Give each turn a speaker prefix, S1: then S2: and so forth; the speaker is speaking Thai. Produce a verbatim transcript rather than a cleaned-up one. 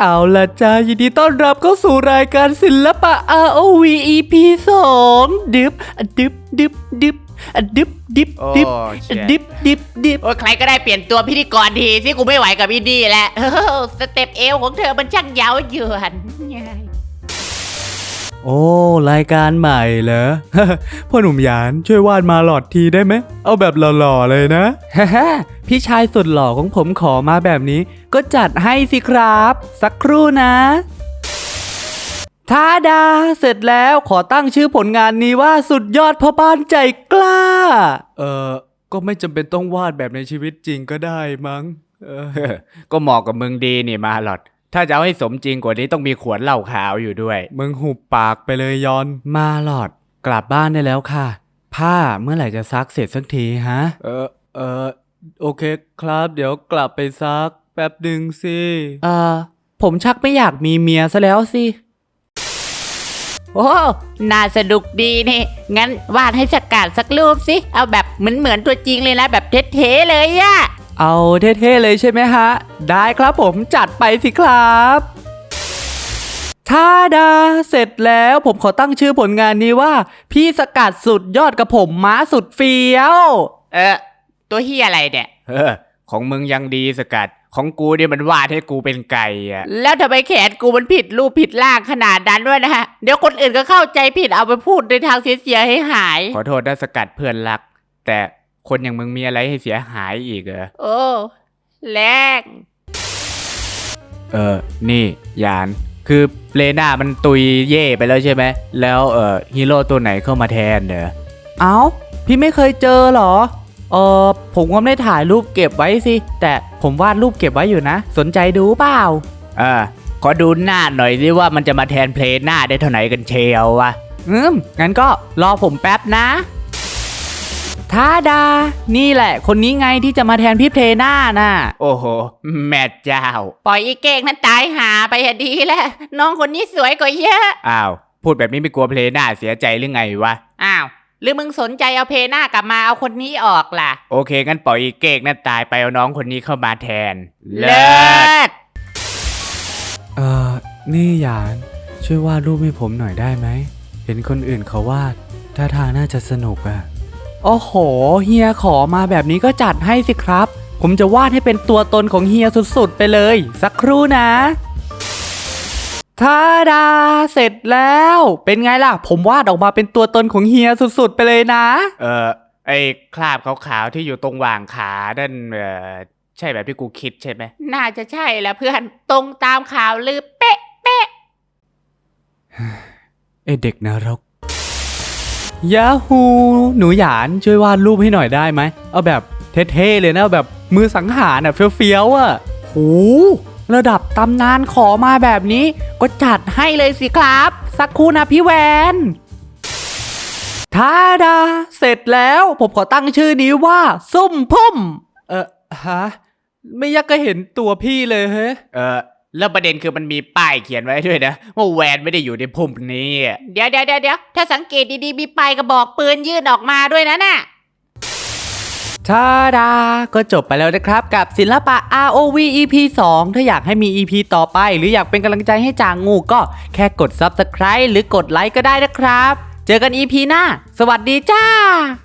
S1: เอาล่ะจ้ายินดีต้อนรับเข้าสู่รายการศิลปะ อาร์ โอ วี อี พี สองดึบดึบดึบดึบดึบดิบดิบดิบดิบดิบ
S2: โอ้ใครก็ได้เปลี่ยนตัวพิธีกรทีสิกูไม่ไหวกับอินดี้แล้วสเต็ปเอวของเธอมันช่างเย้ายวน
S1: โอ้รายการใหม่เหรอ พ่อหนุ่มหยานช่วยวาดมาหลอดทีได้ไหมเอาแบบหล่อๆเลยนะ พี่ชายสุดหล่อของผมขอมาแบบนี้ก็จัดให้สิครับสักครู่นะทาดาเสร็จแล้วขอตั้งชื่อผลงานนี้ว่าสุดยอดพ่อบ้านใจกล้าเออก็ไม่จำเป็นต้องวาดแบบในชีวิตจริงก็ได้มั้งเออ
S2: ก็เหมาะกับมึงดีนี่มาหลอดถ้าจะเอาให้สมจริงกว่านี้ต้องมีขวดเหล้าขาวอยู่ด้วย
S1: มึงหุบปากไปเลยยอนมาหลอดกลับบ้านได้แล้วค่ะผ้าเมื่อไหร่จะซักเสร็จสักทีฮะเออเออโอเคครับเดี๋ยวกลับไปซักแป๊บหนึ่งสิเออผมชักไม่อยากมีเมียซะแล้วสิ
S2: โอ้น่าสนุกดีนี่งั้นวาดให้สกัดสักรูปสิเอาแบบเหมือนเหมือนตัวจริงเลยนะแบบเท่ๆเลยอะ
S1: เอาเท่ๆเลยใช่ไหมฮะได้ครับผมจัดไปสิครับทาดาเสร็จแล้วผมขอตั้งชื่อผลงานนี้ว่าพี่สกัดสุดยอดกับผมม้าสุดเฟี้ยว
S2: เออตัวเฮียอะไรเนี่ยเออของมึงยังดีสกัดของกูเนี่ยมันวาดให้กูเป็นไก่อะแล้วทำไมแขนกูมันผิดรูปผิดร่างขนาดนั้นด้วยนะฮะเดี๋ยวคนอื่นก็เข้าใจผิดเอาไปพูดในทางเสียๆให้หายขอโทษนะสกัดเพื่อนรักแต่คนอย่างมึงมีอะไรให้เสียหายอีกเหรอโอ้แรงเออนี่ยานคือเลน่ามันตุยเย่ไปแล้วใช่ไหมแล้วเออฮีโร่ตัวไหนเข้ามาแทนเนอะ
S1: เอ้าพี่ไม่เคยเจอหรอเออผมก็ไม่ได้ถ่ายรูปเก็บไว้สิแต่ผมวาดรูปเก็บไว้อยู่นะสนใจดูเปล่า
S2: เออขอดูหน้าหน่อยสิว่ามันจะมาแทนเพลหน้าได้เท่าไหร่กันเชียววะ
S1: อืมงั้นก็รอผมแป๊บนะทาดานี่แหละคนนี้ไงที่จะมาแทนพี่เพลน่าน่ะ
S2: โอ้โหแม่เจ้าปล่อยอีเก่งนั้นตายหาไปดีแล้วน้องคนนี้สวยกว่าเยอะอ้าวพูดแบบนี้ไม่กลัวเพลน่าเสียใจหรือไงวะอ้าวหรือมึงสนใจเอาเพลน่ากลับมาเอาคนนี้ออกล่ะโอเคงั้นปล่อยอีเก่งนั้นตายไปเอาน้องคนนี้เข้ามาแทนเลิศ
S1: เอ่อนี่หยานช่วยวาดรูปให้ผมหน่อยได้ไหมเห็นคนอื่นเขาวาดท่าทางน่าจะสนุกอะโอ้โหเฮียขอมาแบบนี้ก็จัดให้สิครับผมจะวาดให้เป็นตัวตนของเฮียสุดๆไปเลยสักครู่นะทาดาเสร็จแล้วเป็นไงล่ะผมวาดออกมาเป็นตัวตนของเฮียสุดๆไปเลยนะ
S2: เออไอ้คราบขาวๆที่อยู่ตรงว่างขาด้านเออใช่แบบที่กูคิดใช่ไหมน่าจะใช่แล้วเพื่อนตรงตามข่าวลือเป๊ะเป๊ะ
S1: ไอเด็กนรกยาฮูหนูหยานช่วยวาดรูปให้หน่อยได้ไหมเอาแบบเท่ๆเลยนะแบบมือสังหารอ่ะเฟี้ยวๆอ่ะโหระดับตำนานขอมาแบบนี้ก็จัดให้เลยสิครับสักครู่นะพี่แวนทาดาเสร็จแล้วผมขอตั้งชื่อนี้ว่าส้มพุ่มเออฮะไม่อยากจะเห็นตัวพี่เลยเฮ้เอ
S2: อแล้วประเด็นคือมันมีป้ายเขียนไว้ด้วยนะว่าแวนไม่ได้อยู่ในพุ่มนี้เดี๋ยวเดี๋ยวเดี๋ยวถ้าสังเกตดีๆมีป้ายกระบอกปืนยื่นออกมาด้วยนะน่ะ
S1: ทาดาก็จบไปแล้วนะครับกับศิลปะ อาร์ โอ วี อี พี สองถ้าอยากให้มี อี พี ต่อไปหรืออยากเป็นกำลังใจให้จางงูก็แค่กด ซับสไครบ์ หรือกดไลค์ก็ได้นะครับเจอกัน อี พี หน้าสวัสดีจ้า